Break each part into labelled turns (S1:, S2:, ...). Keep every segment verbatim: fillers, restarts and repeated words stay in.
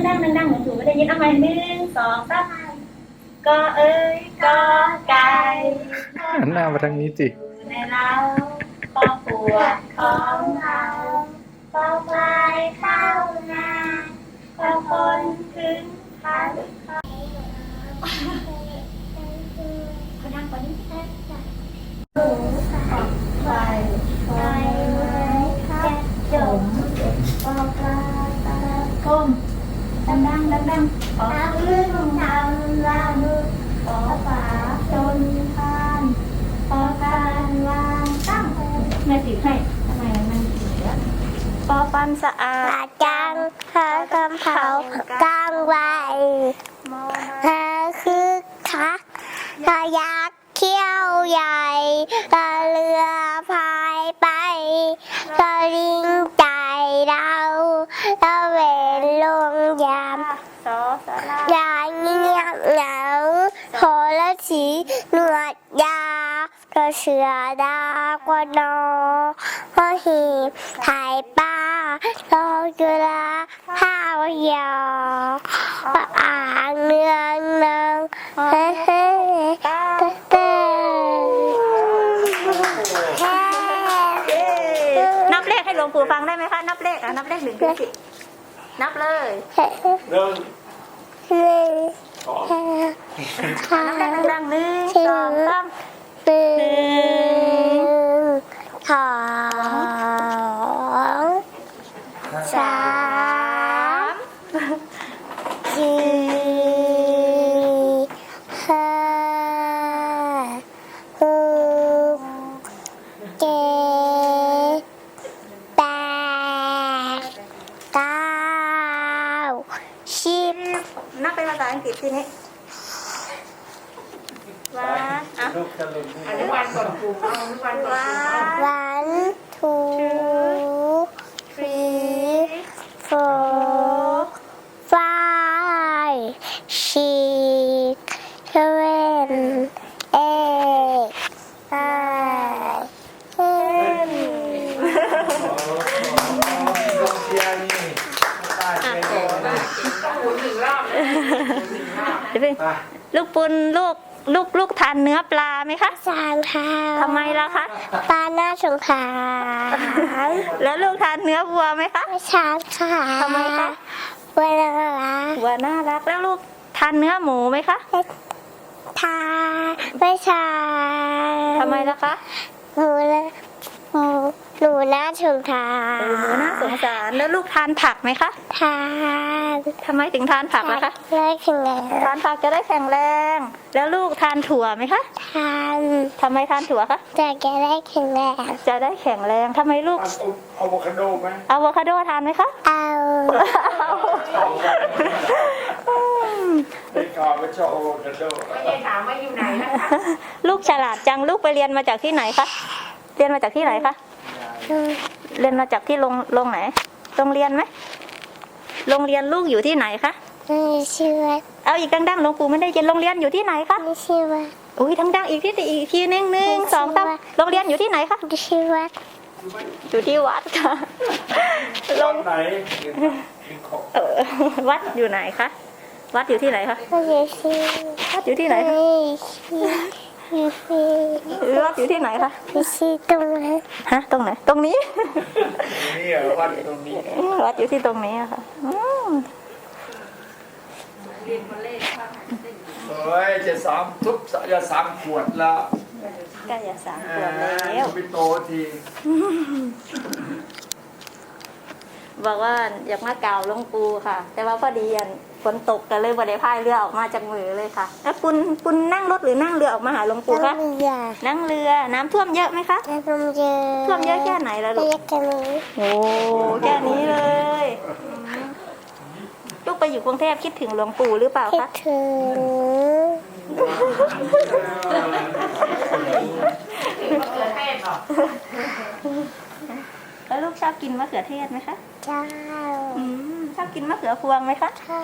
S1: ดังๆดังๆหนูถูไม่ได้ยินเอาใหม่หนึ่งสองสามก็เอ้ยก็ไก่
S2: หันหน้ามาทางนี้สิ
S1: ในเราครอบครัวของเราเฝ้าไกลเข้านาเฝ้าคนถึงพันเขาดังกว่านี้แค่หมูสับไฟไฟไม้คัดจมปอกปลาตะก้มดังดังดังดังขอลื่นทำลำขอฝาจนทานขอการวางตั้งแม่ติดให้ทำไมมันเสียปอปันสะอาด
S3: จังเธอกำเผากลางไว้เธอคือคักเธอยักษ์เขี้ยวใหญ่เธอเรือพายไปเธอลิงใจเราเธอเวรลงยาม
S1: สอสารา
S3: อย่าเงียบเหงาโหระสีหนวดยาวเธอเสือดากว่านอพอหีบถ่ายป้าโลจุฬาข้าวยอปะอ่างเนืองเนืองเฮ้เฮ้เต้เต้
S1: นับเลขให้หลวงปู่ฟังได้ไหมคะนับเลขอ่ะนับเลขหนึ่งถึงสิบนับเลย
S2: เริ่ม
S3: หนึ่งสอง
S1: นับเลขดังๆหนึ่งสองสาม
S3: หนึ่งสองสามสี่ห้าหกเจ็ดแปดเก้าสิบ
S1: นับเป็นภาษาอังกฤษทีนี้วันอ่ะ
S2: ลูกจะลุน
S1: อนุบาลก่อนครูอนุบาลก่อน
S3: one two three four five six seven eight nine ten
S2: เชียร์นี่ตาเชียร์นี่ไป
S1: ลูกปุนลูกลูกลูกทานเนื้อปลาไหมคะ
S3: สามค่ะ
S1: ทำไมล่ะคะ
S3: ปลาหน้าสงขลา
S1: แล้วลูกทานเนื้อวัวไหมคะ
S3: ไม่ชาค่ะ
S1: ทำไมคะ
S3: เวลาละ
S1: วัวน่ารักแล้วลูกทานเนื้อหมูไหมคะ
S3: ทาไม่ชา
S1: ทำไมล่ะคะ
S3: หนูเลยหนูหนูน่าสงสาร
S1: เออหมูน่าสงสารแล้วลูกทานผักไหมคะ
S3: ทาน
S1: ทำไมถึงทานผักล่ะคะ
S3: เลิกถึงแล้ว
S1: ทานผักจะได้แข็งแรง แล้วลูกทานถั่วไหมคะ
S3: ทาน
S1: ทำไมทานถั่วคะ
S3: จะแกได้แข็งแรง
S1: จะได้แข็งแรงทำไมลูก
S2: อะโวคาโดไหม
S1: อะโวคาโดทานไหมคะ
S3: เอา
S2: ได้ข่าวว่าชอบอะโวคาโด
S4: ไม่ได้ถามว่าอยู่ไหนนะคะ
S1: ลูกฉลาดจังลูกไปเรียนมาจากที่ไหนคะเรียนมาจากที่ไหนคะเรียนมาจากที่โรงโรงไหนโรงเรียนไหมโรงเรียนลูกอยู่ที่ไหนคะ
S3: ไม่ชื่อว่า
S1: เอาอีกดังๆหลวงปู่ไม่ได้ยินโรงเรียนอยู่ที่ไหนคะ
S3: ไม่ชื่อว่า
S1: อุ้ยดังๆอีกที่อีกทีหนึ่งหนึ่งสองสามโรงเรียนอยู่ที่ไหนคะ
S3: ไม่ชื่อว่า
S1: อยู่ที่วัดค่ะโรง
S2: ไหน
S1: เออวัดอยู่ไหนคะวัดอยู่ที่ไหนคะ
S3: ไม่ชื่อ
S1: วัดอยู่ที่ไหนคะ
S3: ไม่ชื่อไม่ชื่อ
S1: วัดอยู่ที่ไหนคะ
S3: ไม่ชื่อตรงนั้น
S1: ฮะตรงไหนตรงนี้
S2: นี่เหรอวัดตรงนี้
S1: วัดอยู่ที่ตรงนี้อะค่ะอืม
S2: เฮ้ยจะสามทุบจะสามขวดแล้ว
S1: ใกล้จะสามขวบแล้ว
S2: ไปโตที
S1: บอกว่าอยากมากล่าวหลวงปู่ค่ะ แต่ว่าพอดีฝนตกกันเลยบ่ได้พายเรือออกมาจากมือเลยค่ะแล้วปุณปุณนั่งรถหรือนั่งเรือออกมาหาหลวงปู่คะ
S3: น้ำเยอะ
S1: นั่งเรือน้ำท่วมเยอะไหมคะ
S3: น้ำเยอะ
S1: ท่วมเยอะแค่ไหนแล้วลู
S3: เย
S1: ก
S3: อะกันนี้
S1: โอ้แค่นี้เลยลูกไปอยู่กรุงเทพคิดถึงหลวงปู่หรือเปล่า
S3: คิด
S1: คะ
S3: ถึง
S4: มะเขือเทศเหรอ
S1: แล้วลูกชอบกินมะเขือเทศไหมคะ
S3: เจ้า
S1: อืมชอบกินมะเขือพวงไหมคะ
S3: ค่ะ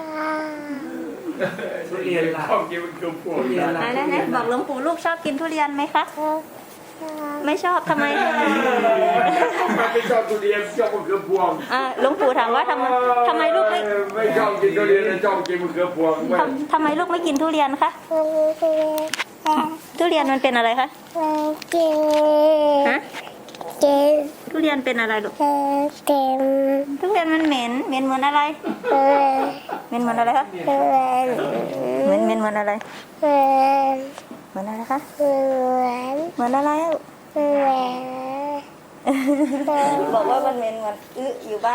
S2: ทุเรียนชอบกินมันคือพวง
S1: ไหนไหนบอกหลวงปู่ลูกชอบกินทุเรียนไหมคะ
S5: ไม่ชอบทำไม
S2: มันไม่ชอบทุเรียนชอบมะเขือพวง
S5: อ่าหลวงปู่ถามว่าทำไมทำไมลูกไม่
S2: ไม่ชอบกินทุเรียนชอบกินมะเขือพวงไม่
S5: ทำทำไมลูกไม่กินทุเรียนคะ ทุเรียนมันเป็นอะไรคะ
S3: เก่ง
S5: ฮะ
S3: เก่ง
S5: ทุเรียนเป็นอะไรลูก
S3: เก่ง
S5: ทุเรียนมันเหม็น เหม็นเหมือนอะไร
S3: เก่ง
S5: เหม็นเหมือนอะไรคะ
S3: เก่ง
S5: เหม็นเหม็นเหมือนอะไร
S3: เก่ง
S5: เหมือนอะไรคะ
S3: เก่ง
S5: เหมือนอะไรอะ
S3: เก่ง
S5: บอกว่ามันเหม็นเหมือนอึอยู่บ้าน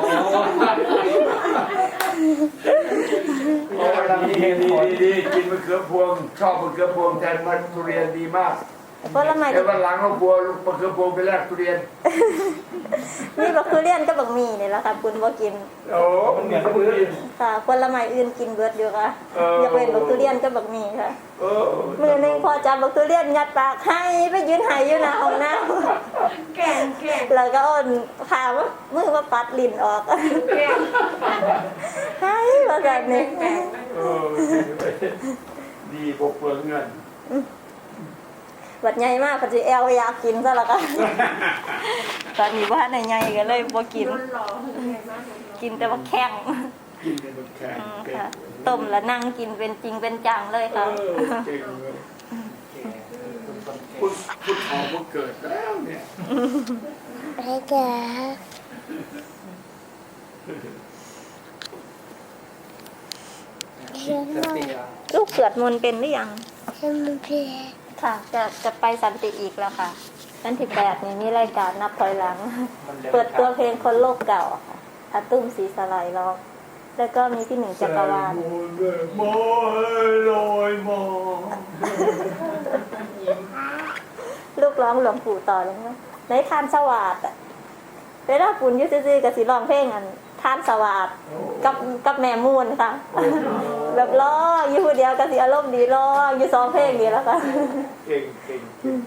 S2: ดีดีดีกินมะเขือพวง ชอบมะเขือพวงแทนมันทุเรียนดีมาก
S5: ผลไม้
S2: เดี๋ยววันหลังเราบัวมะเขือพวงไปแลกทุเรียน
S5: นี่บักทุเรียนก็บักหมี่นี่แหละค่ะคุณบ่กิน
S2: โอ้มันเหมือนทุเรียน
S5: ค่ะผลไม้อื่นกินเบิดอยู่ค่ะ
S2: เออ
S5: อยากเป็นบักทุเรียนก็บักหมี่ค่ะ
S2: เออ
S5: มือหนึงพอจับบักทุเรียนยัดปากให้ไปยืนหายอยู่หน้าห้องน้
S4: แก่งแก่ง
S5: ำแล้วก็เอ่อนพาว่ามือมาปัดลิ้นออก
S4: แก่ง
S5: ให้มาแบบนี้
S2: เออดีบกเปลืองเงิน
S5: บัดใหญ่มากปัจจุแอลอยากกินซะแล้วก็ ตอนนี้ว่าในใหญ่ก็เลยบ่กิน
S4: รุ่นหล่อไงบ้าง
S5: กินแต่ว่าแข้ง
S2: กินเป็นแข็ง
S5: อืม
S2: เป็น
S5: ค่ะต้มแล้วนั่งกินเป็นจริงเป็นจังเลย
S2: เอ
S5: ค่ะ
S2: อเก่งเลยพุทธพุทธทองพุทธเกิดแล้วเนี่ย
S3: ไม่เก่ง
S5: ลูกสวดมนต์เป็นหรือยัง
S3: ฉันไม่เพีย
S5: ค่ะ จะจะไปสันติอีกแล้วค่ะวันที่แปดนี่มีรายการนับถอยหลัง เปิดตัวเพลงคนโลกเก่าค่ะอาตุ้มศรีสลายร้องแล้วก็มีพี่หนึ่งจักรวาล
S2: มอยลอยมอง
S5: ลูกร้องหลวงปู่ต่อเลยนะในทานสวัสดิ์อะเวลาปุ่นอยุซื่อๆกับสีร้องเพลงอันทานสวัสดิ์กับกับแม่มูนค่ะ แบบร้องอยู่ผู้เดียวกับสีอารมณ์ดีร้องอยู่สองเพลงนี้แล้วค่ะ
S2: เก่งเก่งเก่ง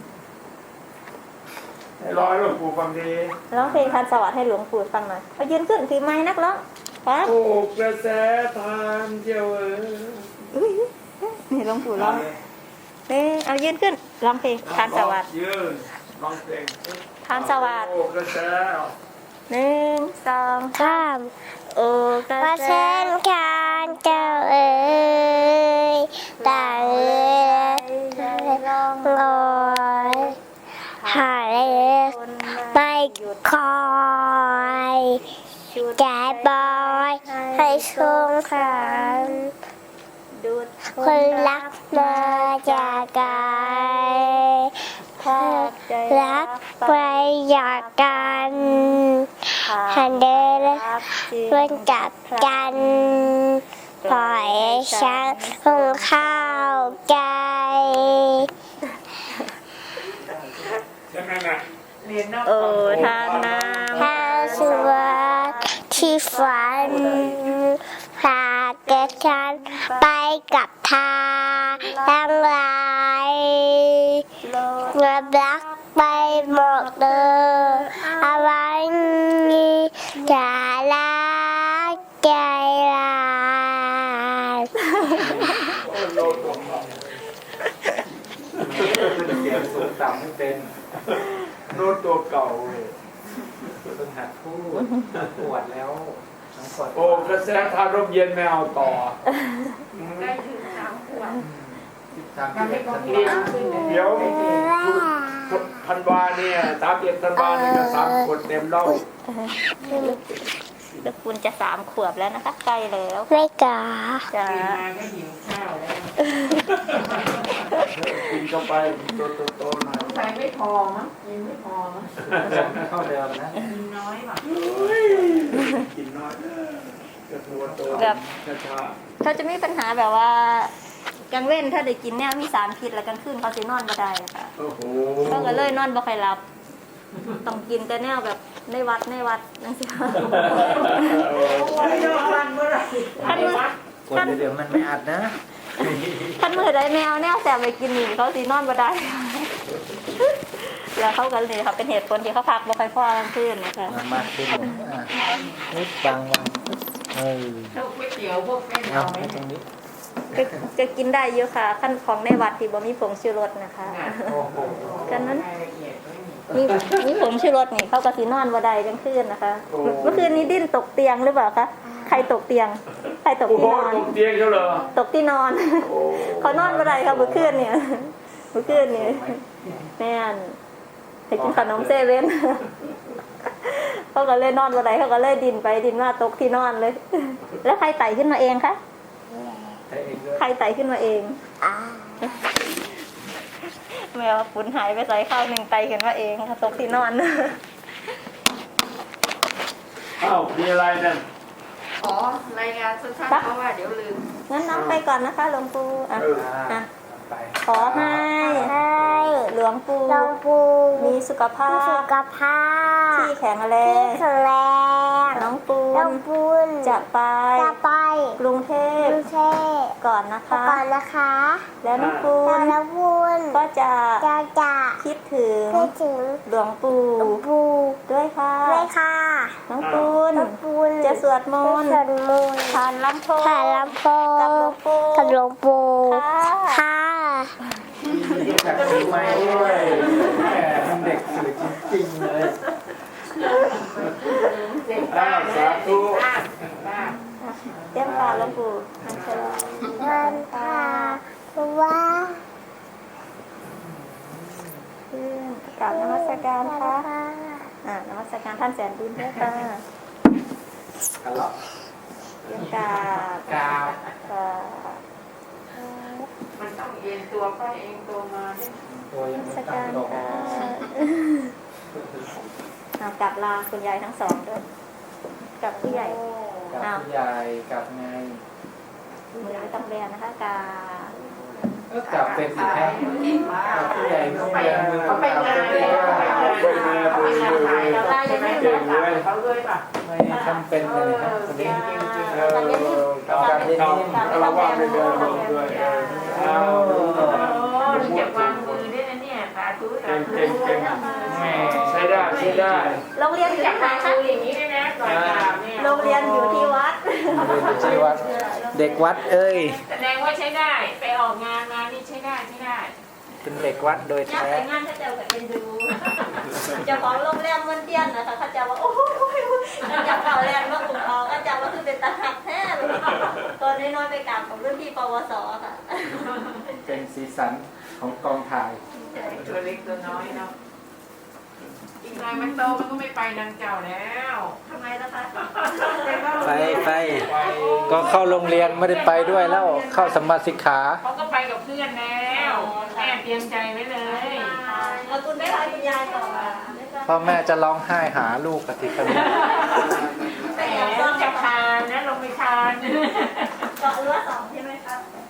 S2: ให้ร้อยหลวงปู่ฟังดี
S5: ร้องเพลงทานสวัสดิ์ให้หลวงปู่ฟังหน่อยเอายืนขึ้นถือไม้นักร้องครับ
S2: โอ้กระแสทานเที่ยวเออ
S5: นี่หลวงปู่ร้องเอ้เอายืนขึ้นร้องเพลงทานสวัสดิ์
S2: ยืนร้องเพลง
S5: ทานสวัสดิ์
S2: โอ้กระแส
S5: หนึ่งสอง
S3: ข้าม
S5: โอ้ก
S3: พ
S5: ระ
S3: ระ
S5: แส
S3: เส้นคานเจ้าเอ๋ยต่างเอ๋ยร้องลอยหายไม่คอยแก่บอยให้สงสาร
S5: ดูด
S3: คนรักมาจากไกล
S5: แทบใจ
S3: รักไปอยากกันหันเดินเพื่อนจับกันปล่อยให้ฉันคงเข้าใจ
S2: ใช่ไหมน่ะ
S4: เรียนนอก
S5: โอ้ทานน้
S3: ถ้าสวัสดที่ฝันพาเกิดฉันไปกับทางทั้งหลาย
S5: ำโลด
S3: เงินรักไปหมดเลยอะไรนี้จะรักใจร้าย
S2: โอ้โลดตัวเขาเสียงสูงต่ำไม่เป็นโน้ตตัวเก่าเลย
S6: เพิ่งหัดพูดปวดแล้วทั้งปวด
S2: โอ้กระแสทานร่มเย็นไม่เอาต่อ
S4: ได้ถึงสามขวบ
S6: ตาม
S4: ยัง
S6: ที่
S4: ไม่
S6: เด็ก
S4: พอ
S6: ส
S4: เรี
S6: นิ
S4: ย
S6: ท
S4: นขึ้นเลย
S2: เดี๋ยวพันวาเนี่ยสามเอ็ดพันวาเนี่ยก็สามคนเต็มเล่า
S5: ลูกคุณจะสามขวบแล้วนะคะใกล้แล้ว
S3: ไม่กา
S5: จ้า
S4: ตื่นมาก็หิวข้าวแล้ว
S2: กินเข้าไปตัวโตๆหน่อย
S4: ใส่ไม่พอมั้งกินไม่พอมั้ง
S6: เท่าเดิมนะ
S4: กินน้อยว่ะ
S2: กินน้อยกระตัวโตช้า
S5: เขาจะมีปัญหาแบบว่ากลางเว้นถ้าได้กินเนี่ยมีสารพิษแล้วกลางคืนเขาจะนอนบ่ได้ค่ะ
S2: ๆโอ้โห
S5: เขาก็เลยนอนบ่ค่อยหลับต้องกินแต่แนวแบบในวัดในวัดนั่นสิค่ะ
S4: วันเดียววันเมื่อไหร่
S5: ท่านมือ
S6: คนเดิมมันไม่อัดนะ
S5: ท่านมือใดแมวแนวแสบไปกินนี่เขาสินอนบ่ได้ แล้วเขาก็เลยค่ะเป็นเหตุผลที่เขาพักบ่ค่อยพอกลางคืนนะคะ
S6: มามากขึ้นอ่ะนิดบางวันเออ
S4: พวกก๋วยเตี๋ยวพวกเส้น
S6: เอา
S4: เอาไหม
S6: ให้ตรงนี้
S5: ก็จะกินได้เยอะค่ะขั้นของในวัดที่บ่มีผงชูรสนะคะ
S6: โอ้โห
S5: กันนั้น
S4: ก
S5: มีมีผงชูรสนี่เขาก็สีนอนบ่ได้กลางคืนนะคะ เมื่อคืนนี้ดิ้นตกเตียงหรือเปล่าคะใครตกเตียงใครตก
S2: โอ้โห
S5: ที่นอน
S2: ตกเตียงเขาเหรอ
S5: ตกที่นอน
S2: โอ้
S5: เขานอนบ่ได้ค่ะเมื่อคืนเนี่ยเมื่อคืนนี่แม่นไปกินขนมเซเว่นเขาก็เลยนอนบ่ได้เขาก็เลยดินไปดินมาตกที่นอนเลย แล้วใครไต่ขึ้นมาเองคะ
S6: ใช้เองด้วย
S5: ใครไต่ขึ้นมาเอง
S3: อ่า
S5: แมวฝุ่นหายไปใส่ข้าวหนึ่งไต่ขึ้นมาเองค่ะตกที่นอน
S2: อ้าวมีอะไรนั่น
S4: ขอรายงานสั้นๆเพราะว่าเดี๋ยวลืม
S5: งั้นน้องไปก่อนนะคะหลวงปู่อ่ะ
S2: เออ
S5: อ่ะ
S6: ไป
S5: ขอให้
S3: ให้
S5: หลวงปู่
S3: หลวงปู่
S5: มีสุขภา
S3: มีสุ
S5: พ
S3: ขภาพ
S5: ที่แข็งแร
S3: ที่
S5: ง
S3: แข็งแรง
S5: น้องปู
S3: น้อน งปูน
S5: จะไป
S3: จะไป
S5: กรุงเท
S3: ก
S5: พ
S3: รุงเทพ
S5: ก่อนนะ
S3: ไป
S5: คะ
S3: ก่อนนะคะ
S5: แล้วน้องปู
S3: แล้ว
S5: น
S3: น้องปูน
S5: ก็จะ
S3: จะจะ
S5: คิดถึง
S3: คิดถึง
S5: หลวงปู่
S3: หลวงปู่
S5: ด้วยค่ะ
S3: ด้วยค่ะ
S5: น้องปูน
S3: น้องปูน
S5: จะสวดมนต์
S3: จะสวดมนต์
S5: ทานลำโพง
S3: ถ่ายลำโพง
S5: กับหลวงปู่
S3: กับหลวงปู่
S5: ค่ะ
S3: ค่ะ
S6: อยากถือไม้ด้วยแหมมันเด็กสื่อจริงๆเลย
S4: เด็กบ้านนะเด็กบ้านบ้าน
S5: เตรียมตาหลวงปู่อัญเชิญ
S3: มันพาว่า
S5: ขึ้นกราบนมัสการค่ะอ่านมัสการท่านแสนบุญด้วยค่ะ
S6: กันหรอก
S5: เตรียมกราบ
S6: กาว
S5: กราบ
S4: มันต้องเอ็นตัวไปเองตัวมาเนี่ย
S6: ตัวยัง
S5: นมั
S6: ไม่
S5: ส
S6: ตั้
S5: กาง ร
S6: ตรง
S5: ค่ะเอากลับลาคุณยายทั้งสองด้วยกับผู้ใหญ่
S6: กับผู้ใหญ่กับไง
S5: มือไม่ต้องเรียนนะคะกา
S6: ก็กลับเป็นอีกแค่
S4: เก่งมาก
S6: กับผู้ใหญ่ต้อง
S4: ไป
S6: เรียนมือ
S4: เขาไปงานเลยเขาไปงานเขาไปงานถ่ายเราได้ยังไม่ได้ถ่ายเขาเลยป่ะ
S6: ไม่ทำเป็นเลยครับคนนี้
S2: เออการเล่นเอาละว่าไม่เดินลงด้วยเออเอา
S4: โอ้ยเก็บวางมือด้วยนะเนี่ยสาธุสา
S2: เก่ง
S4: ธุ
S2: เก่งเก่งแหม่ใช้ได้ใช้ได้
S5: โรงเรียนอยู่
S4: จับ
S5: ที่ไหน
S4: วาง
S5: คะ
S4: มืออย่างนี้ด้วยนะก่อนกราบเนี่ย
S5: โรงเรียนอยู่ที่วัด
S6: เรียนอยู่ที่วัดเด็กวัดเอ้ย
S4: แสดงว่าใช้ได้ไปออกงานมานี่ใช้ได้ใช้ได้
S6: เป็นเด็กวัดโดย
S5: ย่า
S6: แท้
S5: ไปงานถ้าเจ้ากับเป็นดูเจ้าของโรงแรมมันเตี้ยนนะคะเขาเจ้าว่าโอ้ยแล้วเจ้าเก่าแรงมาอุ่นออกก็เจ้าว่าคือเป็นตาหักแท้เลยตอนน้อยๆไปกราบกับรุ่นพี่ปวสค่ะ
S6: เป็นสีสันของกองถ่าย
S4: ตัวเล็กตัวน้อยเนาะอีกหน่อยมันโตมันก็ไม่ไปนางเจ้าแล้ว
S5: ทำไมล่ะคะ
S6: ไปไปก็เข้าโรงเรียนไม่ได้ไปด้วยแล้วเข้าสมมาสิกขา
S4: เขาก็ไปกับเพื่อนแล้วแม่เตรียมใจไว้เลย
S5: แล้วคุณได้ทายคุณยายก่อน
S6: พ่อแม่จะร้องไห้หาลูกกะทิกัน
S4: แต่จะทานนะลงไปทาน
S5: เกาะรั้วสองใช่ไหมคะ